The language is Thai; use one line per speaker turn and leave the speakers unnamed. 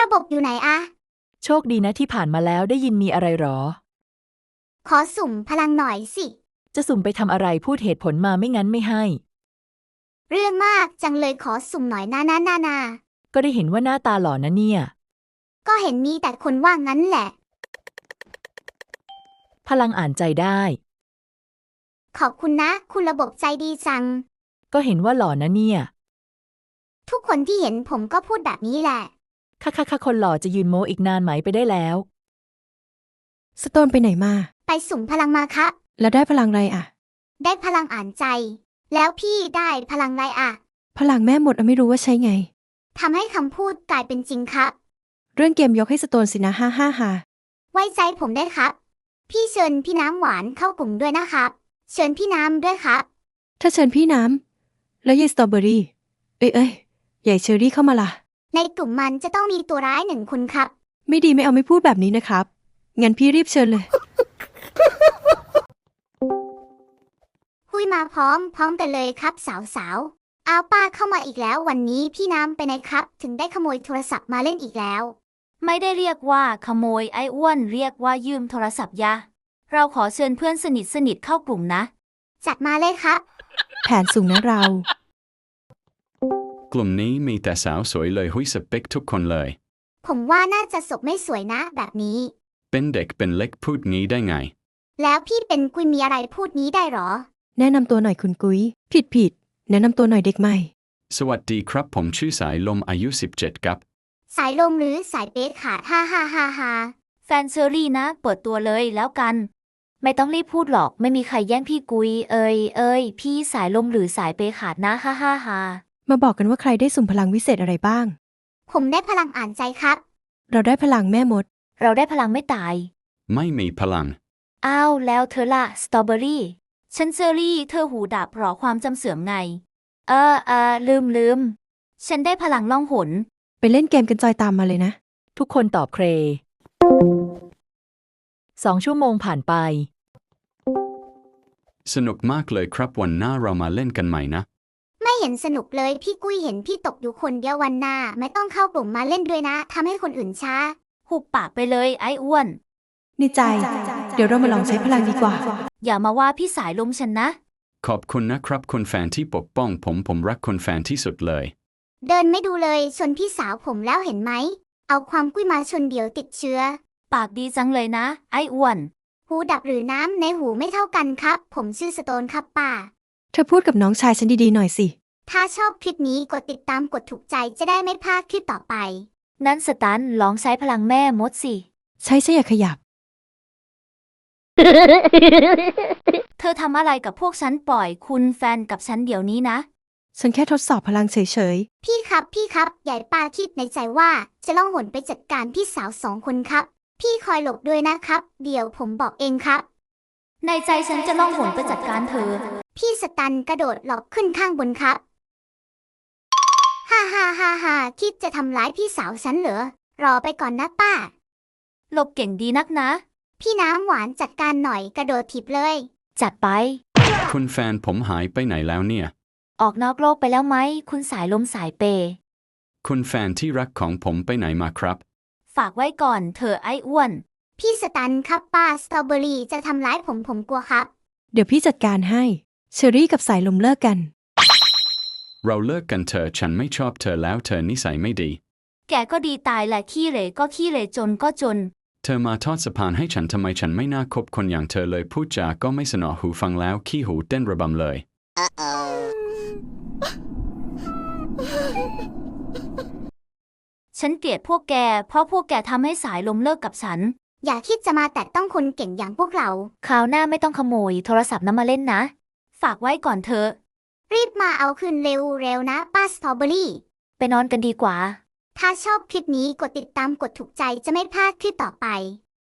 บบอยู่ไหนอะ
โชคดีนะที่ผ่านมาแล้วได้ยินมีอะไรหรอ
ขอสุ่มพลังหน่อยสิ
จะสุ่มไปทำอะไรพูดเหตุผลมาไม่งั้นไม่ให้
เรื่องมากจังเลยขอสุ่มหน่อยนา
ก็ได้เห็นว่าหน้าตาหล่อนะเนี่ย
ก็เห็นมีแต่คนว่างั้นแหละ
พลังอ่านใจได้
ขอบคุณนะ คุณระบบใจดีจัง
ก็เห็นว่าหล่อนะเนี่ย
ทุกคนที่เห็นผมก็พูดแบบนี้แหละ
ค่ะคนหล่อจะยืนโม้อีกนานไหมไปได้แล้ว
สโตนไปไหนมา
ไปสุ่มพลังมาครับ
แล้วได้พลังอะไรอ่ะ
ได้พลังอ่านใจ แล้วพี่ได้พลังอะไรอะ
พลังแม่หมดไม่รู้ว่าใช้ไง
ทำให้คำพูดกลายเป็นจริงครับ
เรื่องเกมยกให้สโตนสินะฮ่า
ไว้ใจผมได้ครับ พี่เชิญพี่น้ำหวานเข้ากลุ่มด้วยนะครับ เชิญพี่น้ำด้วยครับ
ถ้าเชิญพี่น้ำแล้วยายสตรอเบอรี่เอ้ยใหญ่เชอรี่เข้ามาล่ะ
ในกลุ่มมันจะต้องมีตัวร้าย1 คนครับ
ไม่ดีไม่เอาไม่พูดแบบนี้นะครับ งั้นพี่รีบเชิญเลย
คุยมาพร้อมกันเลยครับสาวๆเอาป้าเข้ามาอีกแล้ววันนี้พี่น้ำไปไหนครับ ถึงได้ขโมยโทรศัพท์มาเล่นอีกแล้ว
ไม่ได้เรียกว่าขโมยไอ้อ้วนเรียกว่ายืมโทรศัพท์ยะ เราขอเชิญเพื่อนสนิทเข้ากลุ่มนะ
จัดมาเลยครับ
แผนสูงนะเรา
กลุ่มนี้มีแต่สาวสวยเลยหุ้ยสเปคทุกคนเลย
ผมว่าน่าจะศพไม่สวยนะแบบนี้
เป็นเด็กเป็นเล็กพูดงี้ได้ไง
แล้วพี่เป็นกุยมีอะไรพูดนี้ได้หรอ
แนะนำตัวหน่อยคุณกุ้ยผิดแนะนำตัวหน่อยเด็กใหม่
สวัสดีครับผมชื่อสายลมอายุ17ครับ
สายลมหรือสายเป๊ะขาดฮ่า
แฟนเชอรี่นะ เปิดตัวเลยแล้วกัน ไม่ต้องรีบพูดหรอกไม่มีใครแย่งพี่กุยเอ้ยพี่สายลมหรือสายเปขาดนะฮ่า
มาบอกกันว่าใครได้สุ่มพลังวิเศษอะไรบ้าง
ผมได้พลังอ่านใจครับ
เราได้พลังแม่มด
เราได้พลังไม่ตาย
ไม่มีพลัง
อ้าวแล้วเธอล่ะสตรอเบอรี่ฉันเชอรี่เธอหูดับหรอความจำเสื่อมไง ลืม ฉันได้พลังล่องหน
ไปเล่นเกมกันจอยตามมาเลยนะ
ทุกคนตอบเคร2 ชั่วโมงผ่านไป
สนุกมากเลยครับวันหน้าเรามาเล่นกันใหม่นะ
ไม่เห็นสนุกเลยพี่กุ้ยเห็นพี่ตกอยู่คนเดียววันหน้าไม่ต้องเข้ากลุ่มมาเล่นด้วยนะทำให้คนอื่นช้า
หุบปากไปเลยไอ้อ้วน
ในใจ เดี๋ยวเรามาลองใช้พลังดีกว่า
อย่ามาว่าพี่สายลมฉันนะ
ขอบคุณนะครับคุณแฟนที่ปกป้องผมรักคุณแฟนที่สุดเลย
เดินไม่ดูเลยชนพี่สาวผมแล้วเห็นไหม เอาความกุ้ยมาชนเดี๋ยวติดเชื้อ
ปากดีจังเลยนะไอ้อ้วน
หูดับหรือน้ำในหูไม่เท่ากันครับ ผมชื่อสโตนครับป้า
เธอพูดกับน้องชายฉันดีๆหน่อยสิ
ถ้าชอบคลิปนี้กดติดตามกดถูกใจจะได้ไม่พลาดคลิปต่อไป
นั้นสตันลองใช้พลังแม่มดสิ
ใช้อย่าขยับ
เธอทำอะไรกับพวกฉันปล่อยคุณแฟนกับฉันเดี๋ยวนี้นะ
ฉันแค่ทดสอบพลังเฉย
พี่ครับใหญ่ป้าคิดในใจว่าจะล่องหนไปจัดการพี่สาว2 คนครับ พี่คอยหลบด้วยนะครับ เดี๋ยวผมบอกเองครับ
ในใจฉันจะล่องหนไปจัดการเธอ
พี่สตันกระโดดหลบขึ้นข้างบนครับฮ่าคิดจะทำร้ายพี่สาวฉันเหรอ รอไปก่อนนะป้า
หลบเก่งดีนักนะ
พี่น้ำหวานจัดการหน่อยกระโดดถีบเลย
จัดไป
คุณแฟนผมหายไปไหนแล้วเนี่ย
ออกนอกโลกไปแล้วไหมคุณสายลมสายเป
คุณแฟนที่รักของผมไปไหนมาครับ
ฝากไว้ก่อนเธอไอ้อ้วน
พี่สตันครับป้าสตรอเบอรี่จะทำร้ายผมกลัวครับ
ๆ เดี๋ยวพี่จัดการให้ เชอรี่กับสายลมเลิกกัน
เราเลิกกันเถอะฉันไม่ชอบเธอแล้วเธอนิสัยไม่ดี
แกก็ดีตายแหละขี้เหร่ก็ขี้เหร่จนก็จน
เธอมาทอดสะพานให้ฉันทำไมฉันไม่น่าคบคนอย่างเธอเลยพูดจาก็ไม่สนอหูฟังแล้วขี้หูเต้นระบำเลย
ฉันเกลียดพวกแกเพราะพวกแกทำให้สายลมเลิกกับฉัน
อย่าคิดจะมาแตะต้องคนเก่งอย่างพวกเรา
คราวหน้าไม่ต้องขโมยโทรศัพท์นั้นมาเล่นนะ ฝากไว้ก่อนเถอะ
รีบมาเอาคืนเร็วนะป้าสตรอเบอรี่
ไปนอนกันดีกว่า
ถ้าชอบคลิปนี้กดติดตามกดถูกใจจะไม่พลาดคลิปต่อไป